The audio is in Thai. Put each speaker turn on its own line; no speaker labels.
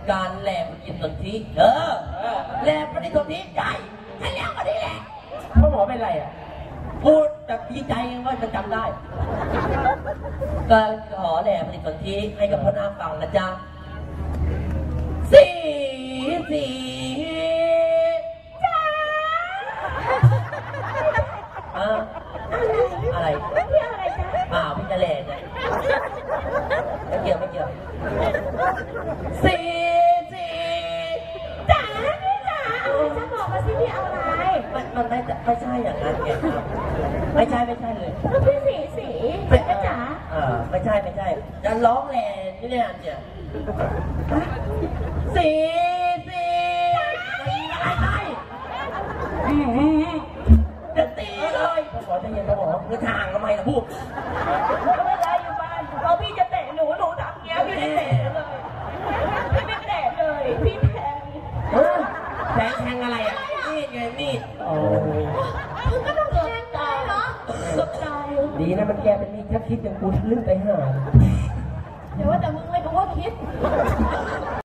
การแหลมกินสนธิแหลมปฏิสนธิใหญ่ฉันเลี้ยงมาดีแหละพ่อหมอเป็นไรอ่ะพูดแบบดีใจว่าจะจำได้ก็ขอแหลมปฏิสนธิให้กับพ่อนาคฟังนะจ๊ะสี่จ้าอะไรพี่อะไรจ๊ะพี่จะแหลมไม่เกี่ยวสี่จ๋าพี่จ๋าจะบอกมาสิพี่เอาอะไรมันไม่ใช่อย่างนั้นไงครับไม่ใช่เลยพี่สีจ๋าไม่ใช่จะร้องแหล่นี่เนี่ยสี่อะไรจะตีเลยขอใจเย็นนะหมอเมื่อทางทำไมล่ะพูดเวลาอยู่บ้านพอพี่จะเตะหนูทำเงี้ยพี่ไม่เตะเลยพี่ไม่เตะเลยพี่แทงอะไรอ่ะนี่ไงนี่คือก็ต้องแทงตายเหรอตายดีนะมันแกเป็นนี่ถ้าคิดอย่างกูทะลึ่งไปหาเดี๋ยวว่าแต่มึงไม่รู้ว่าคิด